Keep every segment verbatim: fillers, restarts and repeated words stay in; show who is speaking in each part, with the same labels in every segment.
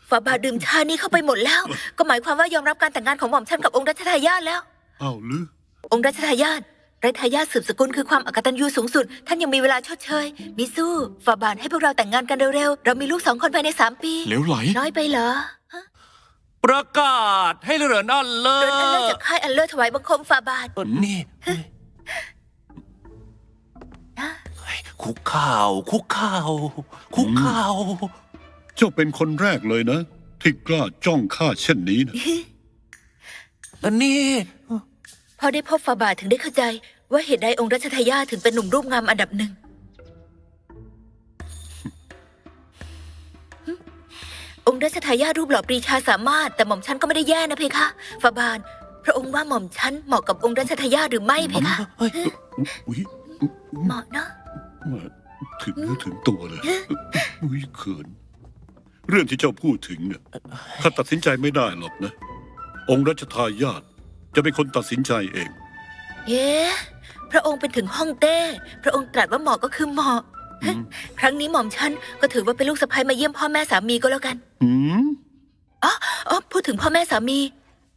Speaker 1: ฝ่าบาทดื่มชานี้เข้าไปหมดแล้วก็หมายความว่ายอมรับการแต่งงานของหม่อมฉันกับองค์รัชทายาทแล้ว
Speaker 2: อ้าวหรือ
Speaker 1: องค์รัชทายาทไรทายาทสืบสกุลคือความอกตัญญูสูงสุดท่านยังมีเวลาชดเชยมิสู้ฝ่าบาทให้พวกเราแต่งงานกันเร็วๆเรามีลูกสองคนภายในสามปี
Speaker 2: เหลวไหล
Speaker 1: น้อยไปเหรอ
Speaker 3: ประกาศให้เรือนอันเลิศ
Speaker 1: เรือนอันเลิศจากค่ายอันเลิศถวายบังคมฝ่าบาท
Speaker 3: นี่คุกข่าวคุกข่าวคุกข่าว
Speaker 2: เจ้าเป็นคนแรกเลยนะที่กล้าจ้องข้าเช่นนี้นะ
Speaker 3: อันนี้
Speaker 1: พอได้พบฝ่าบาทถึงได้เข้าใจว่าเหตุใดองค์รัชทายาทถึงเป็นหนุ่มรูปงามอันดับหนึ่งองค์รัชทายาทรูปหล่อปรีชาสามารถแต่หม่อมฉันก็ไม่ได้แย่นะเพคะฝ่าบาทพระองค์ว่าหม่อมฉันเหมาะกับองค์รัชทายาทหรือไม่เพคะเหมาะเนาะ
Speaker 2: ถึงเนื้อถึงตัวเลยอุ้ยเขินเรื่องที่เจ้าพูดถึงเนี่ยข้าตัดสินใจไม่ได้หรอกนะองค์รัชทายาทจะเป็นคนตัดสินใจเอง
Speaker 1: เย้พระองค์เป็นถึงฮ่องเต้พระองค์ตรัสว่าเหมาะก็คือเหมาะครั้งนี้หม่อมฉันก็ถือว่าเป็นลูกสะใภ้มาเยี่ยมพ่อแม่สามีก็แล้วกัน
Speaker 2: อืม
Speaker 1: อ๋ออ๋อพูดถึงพ่อแม่สามี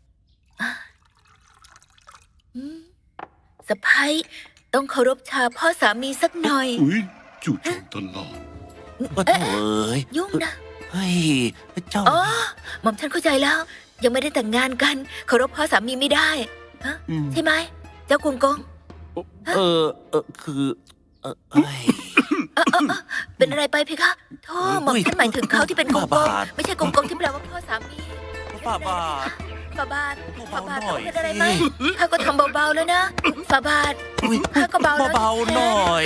Speaker 1: สะใภ้ต้องเคารพชาพ่อสามีสักหน่อย
Speaker 2: อุ้ยจู่โจมตลอด
Speaker 3: เอ้ย
Speaker 1: ยุ่งนะ
Speaker 3: เฮ้ยเจ้า
Speaker 1: อ๋อหม่อมฉันเข้าใจแล้วยังไม่ได้แต่งงานกันเคารพพ่อสามีไม่ได้ฮะใช่ไหมเจ้ากงกง
Speaker 3: เออเออคือเออเอ้ย
Speaker 1: เป็นอะไรไปเพคะโธ่หม่อมฉันหมายถึงเขาที่เป็นกงกงไม่ใช่กงกงที่แปลว่าพ่อสามี
Speaker 3: ฝ่าบาท
Speaker 1: ฝ่าบาทฝ่าบาทเป็นอะไรไหมข้าก็ทำเบาๆแล้วนะฝ่าบาทข้าก็เบา
Speaker 3: เบาหน่อย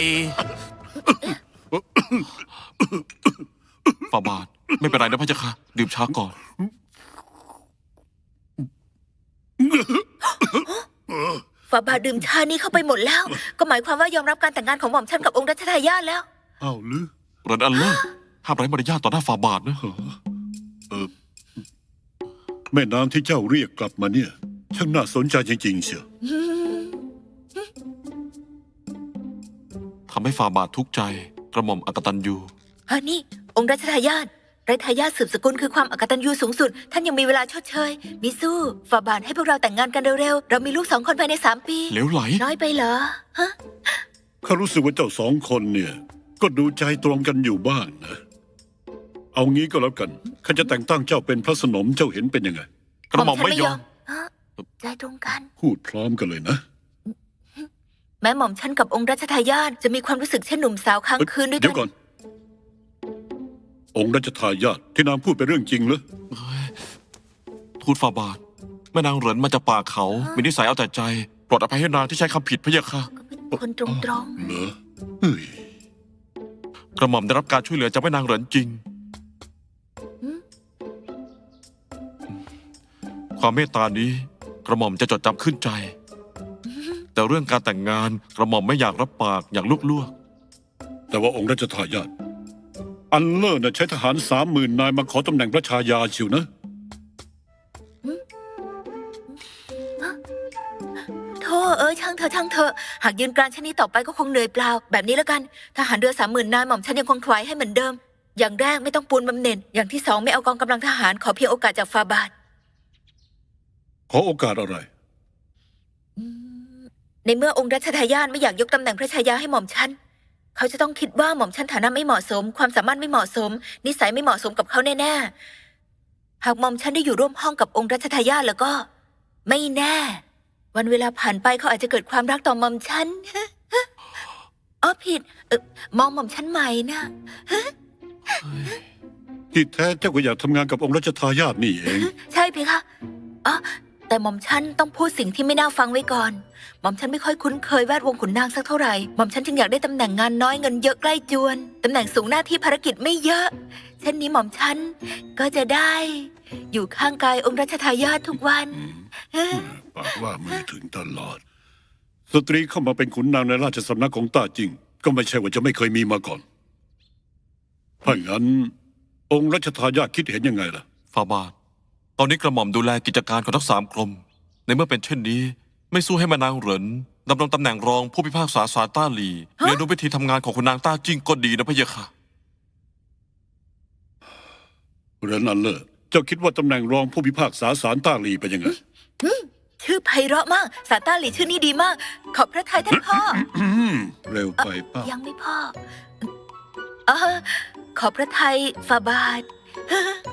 Speaker 4: ฝ่าบาทไม่เป็นไรนะพระเจ้าค่ะดื่มชาก่อน
Speaker 1: ฝ่าบาทดื่มชานี้เข้าไปหมดแล้วก็หมายความว่ายอมรับการแต่งงานของหม่อมฉันกับองค์รัชทายาทแล้ว
Speaker 2: อ้าวหรือ
Speaker 4: เรือนอันเลิศห้ามไร้มารยาทต่อหน้าฝ่าบาทนะ
Speaker 2: เออแม่นางที่เจ้าเรียกกลับมาเนี่ยช่างน่าสนใจจริงๆเชียว
Speaker 4: ทำให้ฝ่าบาททุกข์ใจกระหม่อมอกตัญญู
Speaker 1: ฮะนี่องค์รัชทายาทไรทายาทสืบสกุลคือความอกตัญญูสูงสุดท่านยังมีเวลาชดเชยมิสู้ฝ่าบาทให้พวกเราแต่งงานกันเร็วๆเรามีลูกสองคนภายในสามปี
Speaker 4: เหลวไหล
Speaker 1: น้อยไปเหรอฮะ
Speaker 2: ข้ารู้สึกว่าเจ้าสองคนเนี่ยก็ดูใจตรงกันอยู่บ้างนะเอางี้ก็แล้วกันข้าจะแต่งตั้งเจ้าเป็นพระสนมเจ้าเห็นเป็นยังไง
Speaker 4: กระหม่อมไม่ยอม
Speaker 1: ใจตรงกัน
Speaker 2: พูดพร้อมกันเลยนะ
Speaker 1: แม้หม่อมฉันกับองค์รัชทายาทจะมีความรู้สึกเช่นหนุ่มสาวค้างคืนด้วยกัน
Speaker 2: เดี๋ยวก่อนองค์รัชทายาทที่นางพูดเป็นเรื่องจริงเหรอ
Speaker 4: ทูลฝ่าบาทแม่นางเหรินมาจากป่าเขามีนิสัยเอาแต่ใจโปรดอภัยให้นางที่ใช้คำผิดพะยะค่ะ
Speaker 1: คนตรงตรง
Speaker 2: เหรอเฮ้ย
Speaker 4: กระหม่อมได้รับการช่วยเหลือจากแม่นางเหรินจริงความเมตตานี้กระหม่อมจะจดจำขึ้นใจแต่เรื่องการแต่งงานกระหม่อมไม่อยากรับปากอยากลุกล่วง
Speaker 2: แต่ว่าองค์รัชทายาทอันเลิศน่ะใช้ทหารสามหมื่นนายมาขอตำแหน่งพระชายาเชียวนะ
Speaker 1: โธ่เอ้ยช่างเธอช่างเธอหากยืนกรานเช่นนี้ต่อไปก็คงเหนื่อยเปล่าแบบนี้แล้วกันทหารเรือสามหมื่นนายหม่อมฉันยังคงถวายให้เหมือนเดิมอย่างแรกไม่ต้องปูนบำเหน็จอย่างที่สองไม่เอากองกำลังทหารขอเพียงโอกาสจากฝ่าบาท
Speaker 2: ขอโอกาสอะไร
Speaker 1: ในเมื่อองค์รัชทายาทไม่อยากยกตำแหน่งพระชายาให้หม่อมฉันเขาจะต้องคิดว่าหม่อมฉันฐานะไม่เหมาะสมความสามารถไม่เหมาะสมนิสัยไม่เหมาะสมกับเขาแน่ๆหากหม่อมฉันได้อยู่ร่วมห้องกับองค์รัชทายาทแล้วก็ไม่แน่วันเวลาผ่านไปเขาอาจจะเกิดความรักต่อหม่อมฉันอ๋อผิดเออมองหม่อมฉันใหม่นะ
Speaker 2: ที่แท้เจ้าก็อยากทำงานกับองค์รัชทายาทนี่เอง
Speaker 1: ใช่เพคะอ๋อแต่หม่อมฉันต้องพูดสิ่งที่ไม่น่าฟังไว้ก่อนหม่อมฉันไม่ค่อยคุ้นเคยแวดวงขุนนางสักเท่าไหร่หม่อมฉันจึงอยากได้ตำแหน่งงานน้อยเงินเยอะใกล้จวนตำแหน่งสูงหน้าที่ภารกิจไม่เยอะเช่นนี้หม่อมฉันก็จะได้อยู่ข้างกายองค์รัชทายาททุกวัน
Speaker 2: ปากว่ามือถึงตลอดสตรีเข้ามาเป็นขุนนางในราชสำนักของต้าจิงก็ไม่ใช่ว่าจะไม่เคยมีมาก่อนถ้างั้นองค์รัชทายาทคิดเห็นยังไงล่ะ
Speaker 4: ฝ่าบาทตอนนี้กระหม่อมดูแลกิจการของทั้งสามกรมในเมื่อเป็นเช่นนี้ไม่สู้ให้แม่นางเหรินดำรงตำแหน่งรองผู้พิพากษาศาลต้าหลีเรียนรู้วิธีทำงานของคุณนางต้าจิ้งก็ดีนะพะเยะค่ะ
Speaker 2: เรือนอันเลิศจ้าคิดว่าตำแหน่งรองผู้พิพากษาศาลต้าหลีเป็นยังไง
Speaker 1: ชื่อไพเราะมากสาต้าหลีชื่อนี้ดีมาก ขอบพระทัยท่านพ่อ
Speaker 2: อืมเร็วไปเป้า
Speaker 1: ยังไม่พ่อเออขอบพระทัยฝ่าบาท